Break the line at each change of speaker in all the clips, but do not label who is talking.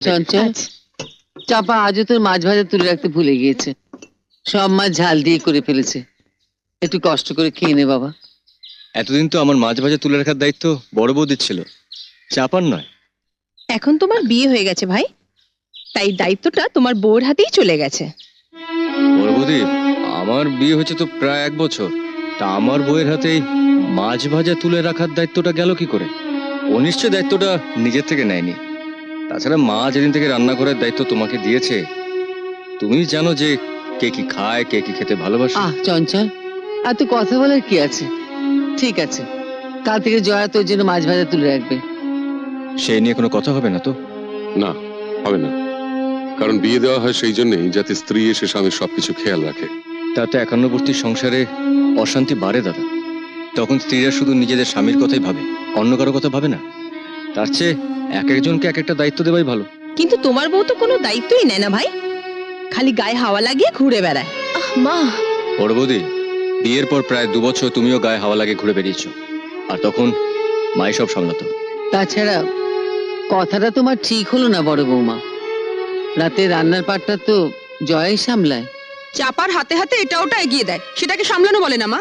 চঞ্চল, চাপা আজও তোর মাছ ভাজা তুলে রাখতে ভুলে গিয়েছে। সব মাছ ঝাল দিয়ে করে ফেলেছে, একটু কষ্ট করে খেয়ে নে বাবা।
এতদিন তো আমার মাছ ভাজা তুলে রাখার দায়িত্ব বড় বৌদির ছিল, চাপার নয়।
এখন তোমার বিয়ে হয়ে গেছে ভাই, তাই দায়িত্বটা তোমার বউর হাতেই চলে গেছে।
বড় বৌদি, আমার বিয়ে হয়েছে তো প্রায় 1 বছর, তা আমার বউয়ের হাতেই মাছ ভাজা তুলে রাখার দায়িত্বটা গেল কি করে? ও নিশ্চয় দায়িত্বটা নিজের থেকে নেয়নি। তাছাড়া মা যেদিন থেকে রান্না করার দায়িত্ব তোমাকে দিয়েছে, তুমি জানো যে কে কি খায়, কে কি খেতে ভালোবাসে।
চঞ্চল, আর তো কথা বলার কি আছে? ঠিক আছে, কাল থেকে জয়া তোর জন্য মাছ ভাজা তুলে রাখবে।
সেই নিয়ে কোনো কথা হবে না তো?
না, হবে না। কারণ বিয়ে দেওয়া হয় সেই জন্যই, যাতে স্ত্রী এসে স্বামীর সবকিছু খেয়াল রাখে।
তাতে একান্নবর্তী সংসারে অশান্তি বাড়ে দাদা। তখন স্ত্রীরা শুধু নিজেদের স্বামীর কথাই ভাবে, অন্য কারো কথা ভাবে না। তার চেয়ে এক একজনকে এক একটা দায়িত্ব দেওয়াই ভালো।
কিন্তু তোমার বউ তো কোনো দায়িত্বই নেয় না ভাই, খালি গায়ে হাওয়া লাগিয়ে ঘুরে বেড়ায়।
মা,
বড় বৌদি, বিয়ের পর প্রায় 2 বছর তুমিও গায়ে হাওয়া লাগে ঘুরে বেরিয়েছো, আর তখন মাই সব সামলাতো।
তাছাড়া কথাটা তোমার ঠিক হলো না বড় বৌমা, রাতে রান্নার পাটটা তো জয়াই সামলায়।
চাপার হাতে হাতে এটা ওটা এগিয়ে দেয়, সেটাকে সামলানো বলে না মা?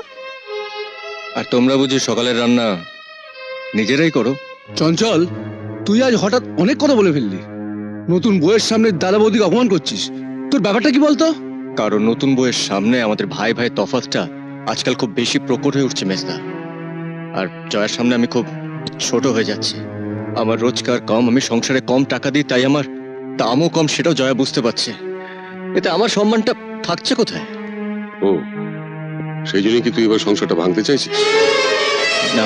আর তোমরা বুঝি সকালের রান্না নিজেরাই করো?
চঞ্চল, তুই আজ হঠাৎ অনেক কথা বলে ফেললি। নতুন বউয়ের সামনে দাদা বৌদিকে অপমান করছিস, তোর ব্যাপারটা কি বলতো?
কারণ নতুন বউয়ের সামনে আমাদের ভাই ভাই তফাৎটা আজকাল খুব বেশি প্রকট হয়ে উঠছে মেজদা। আর জয়ের সামনে আমি খুব ছোট হয়ে যাচ্ছি। আমার রোজগার কম, আমি সংসারে কম টাকা দিই, তাই আমার দামও কম, সেটাও জয়া বুঝতে পারছে। এতে আমার সম্মানটা থাকছে কোথায়?
ও, সেই জন্যই কি তুই এবার সংসারটা ভাঙতে চাইছিস?
না,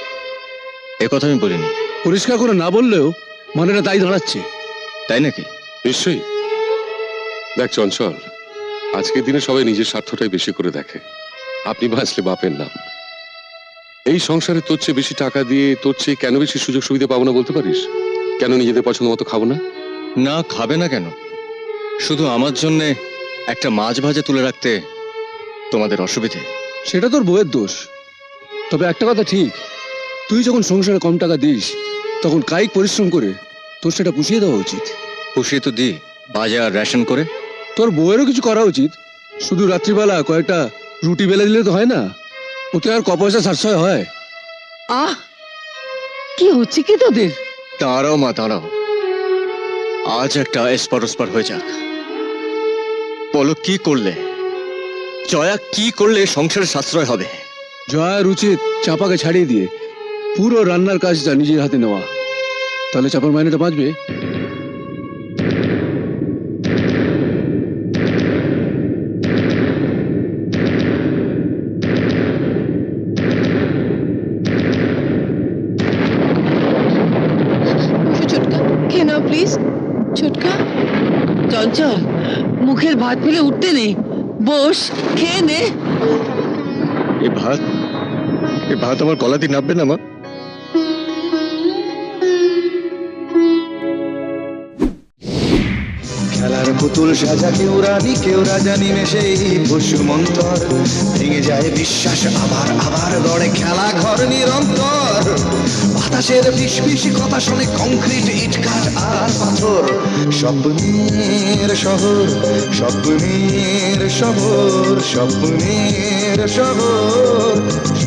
এ কথা আমি বলিনি।
পরিষ্কার করে না বললেও মানেটা তাই দাঁড়াচ্ছে।
তাই নাকি?
নিশ্চয়ই। দেখ চঞ্চল, আজকের দিনে সবাই নিজের স্বার্থটাই বেশি করে দেখে। আপনি বাঁচলে বাপের নাম। এই সংসারে তোর চেয়ে বেশি টাকা দিয়ে তোর চেয়ে কেন বেশি সুযোগ সুবিধা পাবো না বলতে পারিস? কেন নিজেদের পছন্দ মতো খাবো না?
না, খাবে না কেন? শুধু আমার জন্য একটা মাছ ভাজা তুলে রাখতে তোমাদের অসুবিধে?
সেটা তোর বউয়ের দোষ। তবে একটা কথা ঠিক, তুই যখন সংসারে কম টাকা দিস, তখন কায়িক পরিশ্রম করে তোর সেটা পুষিয়ে দেওয়া উচিত।
পুষিয়ে তো দিই, বাজার রেশন করে।
তোর বউয়েরও কিছু করা উচিত। শুধু রাত্রিবেলা কয়েকটা রুটি বেলে দিলে তো হয় না, ওতে আর ক পয়সা সাশ্রয় হয়।
কি হচ্ছে কি তোদের?
দাঁড়াও মা, দাঁড়াও। আজ একটা এসপার ওসপার হয়ে যাক। বলো, কি করলে, জয়া কি করলে সংসারে সাশ্রয় হবে?
জয়ার উচিত চাপাকে ছাড়িয়ে দিয়ে পুরো রান্নার কাজটা নিজের হাতে নেওয়া, তাহলে চাপার মাইনেটা বাঁচবে।
ছোটকা খেয়ে নাও প্লিজ। ছোটকা,
চঞ্চল, মুখের ভাত ফেলে উঠতে নেই, বস খেয়ে নে।
এ ভাত আমার গলা দিয়ে নামবে না মা?
খেলার পুতুল সাজা কেউ রানী কেউ রাজা, নিমেষে পশু মন্তর ভেঙে যায় বিশ্বাস, আবার আবার গড়ে খেলা ঘর নিরন্তর। বাতাসের ফিসফিসি কথা শুনে কংক্রিট ইটকাঠ আর পাথর। স্বপ্নের শহর, স্বপ্নের শহর, স্বপ্নের শহর।